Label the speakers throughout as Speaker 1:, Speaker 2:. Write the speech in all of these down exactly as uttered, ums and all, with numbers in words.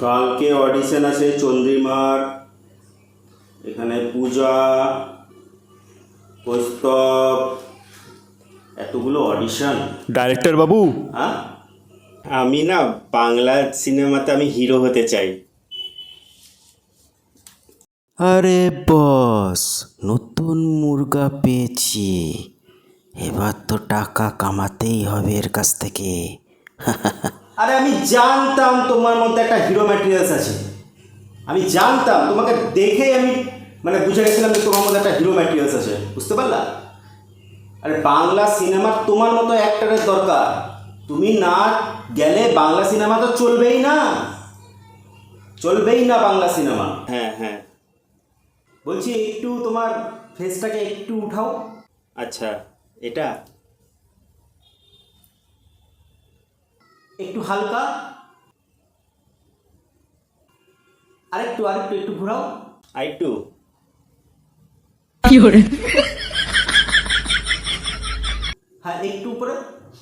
Speaker 1: কালকে অডিশন আছে চন্দ্রিমার, এখানে পূজা, কৌস্তব, এতগুলো অডিশন।
Speaker 2: ডাইরেক্টর বাবু,
Speaker 1: হ্যাঁ, আমি না বাংলা সিনেমাতে আমি হিরো হতে চাই।
Speaker 3: আরে বস, নতুন মুরগা পেয়েছি, এবার তো টাকা কামাতেই হবে এর কাছ থেকে।
Speaker 1: আরে আমি জানতাম তোমার মধ্যে একটা হিরো ম্যাটেরিয়ালস আছে, আমি জানতাম, তোমাকে দেখেই আমি মানে বুঝে গেছিলাম যে তোমার মধ্যে একটা হিরো ম্যাটেরিয়ালস আছে, বুঝতে পারলা? আরে বাংলা সিনেমার তোমার মতো অ্যাক্টরের দরকার, তুমি না গেলে বাংলা সিনেমা তো চলবেই না, চলবেই না বাংলা সিনেমা। হ্যাঁ হ্যাঁ, বলছি একটু তোমার ফেসটাকে একটু উঠাও। আচ্ছা, এটা একটু হালকা, আরেকটু আরেকটু একটু ঘোরাও, আরেকটু। হ্যাঁ, একটু উপরে,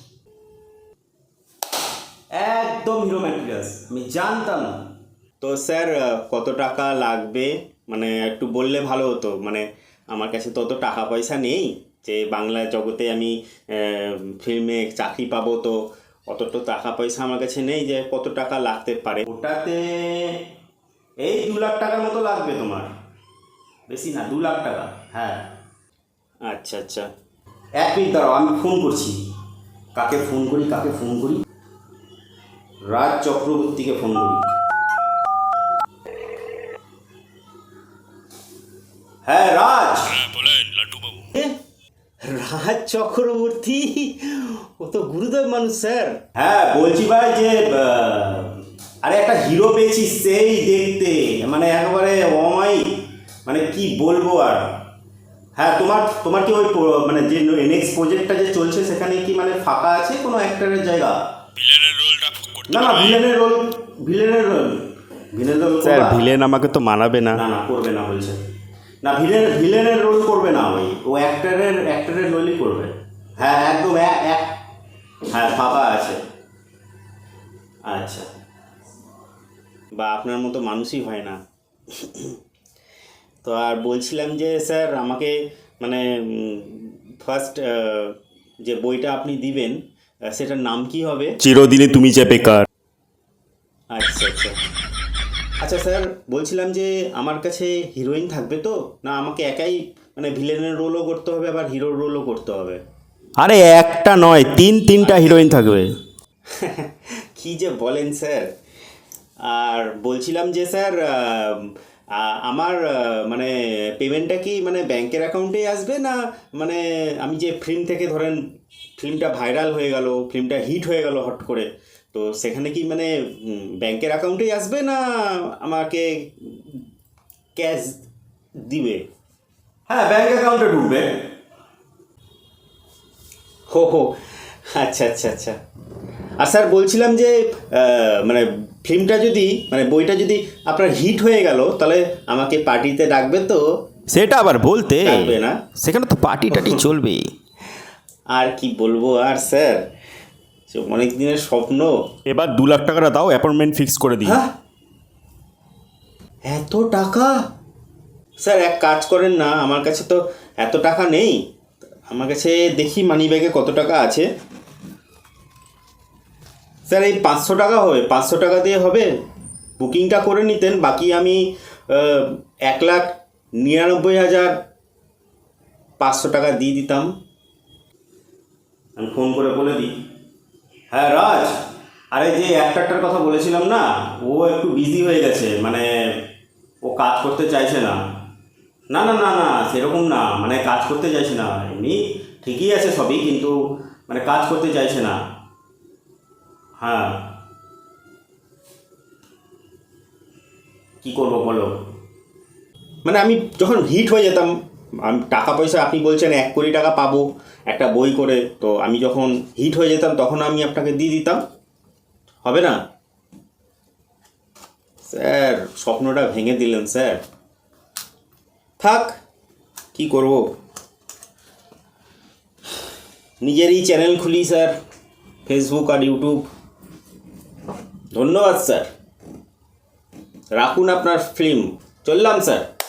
Speaker 1: একদম হিরো ম্যাটেরিয়ালস, আমি জানতাম। তো স্যার কত টাকা লাগবে মানে একটু বললে ভালো হতো, মানে আমার কাছে তো অত টাকা পয়সা নেই যে বাংলা জগতে আমি ফিল্মে চাকরি পাবো, তো অত তো টাকা পয়সা আমার কাছে নেই যে কত টাকা লাগতে পারে। ওটাতে এই দু লাখ টাকার মতো লাগবে তোমার, বেশি না, দু লাখ টাকা। হ্যাঁ, আচ্ছা আচ্ছা, এক মিনিট দাঁড়াও, আমি ফোন করছি। কাকে ফোন করি কাকে ফোন করি রাজ চক্রবর্তীকে ফোন করি। হ্যাঁ রাজ।
Speaker 2: হ্যাঁ বলেন লাড্ডু বাবু।
Speaker 1: রাজ চক্রবর্তী, ও তো গুরুদেব মানুষ স্যার। হ্যাঁ বলছি ভাই যে আরে একটা হিরো পেয়েছি, সেই দেখতে মানে একেবারে অমাই, মানে কি বলবো আর। হ্যাঁ, তোমার তোমার কি ওই মানে যে নেক্সট প্রজেক্টটা যে চলছে সেখানে কি মানে ফাঁকা আছে কোনো অ্যাক্টরের জায়গা?
Speaker 2: ভিলেনের রোলটা করতে
Speaker 1: না না, ভিলেনের রোল, ভিলেনের রোল ভিলেনের রোল
Speaker 2: স্যার, ভিলেন আমাকে তো মানাবে না।
Speaker 1: না না, করবে না বলছে না, ভিলেন ভিলেনের রোল করবে না, ওই ও অ্যাক্টরের অ্যাক্টরের রোলই করবে। হ্যাঁ একদম, এক হ্যাঁ ফাঁকা আছে। আচ্ছা, বা আপনার মতো মানুষই হয় না। তো আর বলছিলাম যে স্যার আমাকে মানে ফার্স্ট যে বইটা আপনি দিবেন সেটার নাম কি হবে?
Speaker 2: চিরদিনই তুমি যে বেকার।
Speaker 1: আচ্ছা আচ্ছা আচ্ছা স্যার, বলছিলাম যে আমার কাছে হিরোইন থাকবে তো, না আমাকে একাই মানে ভিলেনের রোলও করতে হবে আবার হিরোর রোলও করতে হবে?
Speaker 2: আরে একটা নয়, তিন তিনটা হিরোইন থাকবে।
Speaker 1: কি যে বলেন স্যার। আর বলছিলাম যে স্যার আমার মানে পেমেন্টটা কি মানে ব্যাংকের অ্যাকাউন্টেই আসবে, না মানে আমি যে ফিল্ম থেকে ধরেন ফিল্মটা ভাইরাল হয়ে গেল, ফিল্মটা হিট হয়ে গেল হট করে, তো সেখানে কি মানে ব্যাংকের অ্যাকাউন্টেই আসবে, না আমাকে ক্যাশ দিবে? হ্যাঁ, ব্যাংক অ্যাকাউন্টে ঢুকবে। হো হো, আচ্ছা আচ্ছা আচ্ছা। আর স্যার বলছিলাম যে মানে ফিল্মটা যদি মানে বইটা যদি আপনার হিট হয়ে গেল তাহলে আমাকে পার্টিতে ডাকবে তো?
Speaker 2: সেটা আবার বলতে,
Speaker 1: ডাকবে না?
Speaker 2: সেখানে তো পার্টি টাটি চলবে।
Speaker 1: আর কি বলবো আর স্যার, অনেক দিনের স্বপ্ন।
Speaker 2: এবার দু লাখ টাকাটা দাও, অ্যাপয়েন্টমেন্ট ফিক্স করে দিই।
Speaker 1: হ্যাঁ, এত টাকা? স্যার এক কাজ করেন না, আমার কাছে তো এত টাকা নেই, আমার কাছে দেখি মানি ব্যাগে কত টাকা আছে। স্যার এই পাঁচশো টাকা হবে, পাঁচশো টাকা দিয়ে হবে? বুকিংটা করে নিতেন, বাকি আমি এক লাখ নিরানব্বই হাজার পাঁচশো টাকা দিয়ে দিতাম। আমি ফোন করে বলে দিই। হ্যাঁ রাজ, আরে যে অ্যাক্টরটার কথা বলেছিলাম না, ও একটু বিজি হয়ে গেছে, মানে ও কাজ করতে চাইছে না। না না না না, সেরকম না, মানে কাজ করতে চাইছে না, এমনি ঠিকই আছে সবই, কিন্তু মানে কাজ করতে চাইছে না। হ্যাঁ, কি করবো বলো? মানে আমি যখন হিট হয়ে যেতাম, আমি টাকা পয়সা আপনি বলছেন এক কোটি টাকা পাবো একটা বই করে, তো আমি যখন হিট হয়ে যেতাম তখন আমি আপনাকে দিয়ে দিতাম, হবে না? স্যার স্বপ্নটা ভেঙে দিলেন স্যার। থাক, কি করব, নিজেরই চ্যানেল খুলি স্যার, ফেসবুক আর ইউটিউব। ধন্যবাদ স্যার। রাখুন আপনার ফিল্ম, চললাম স্যার।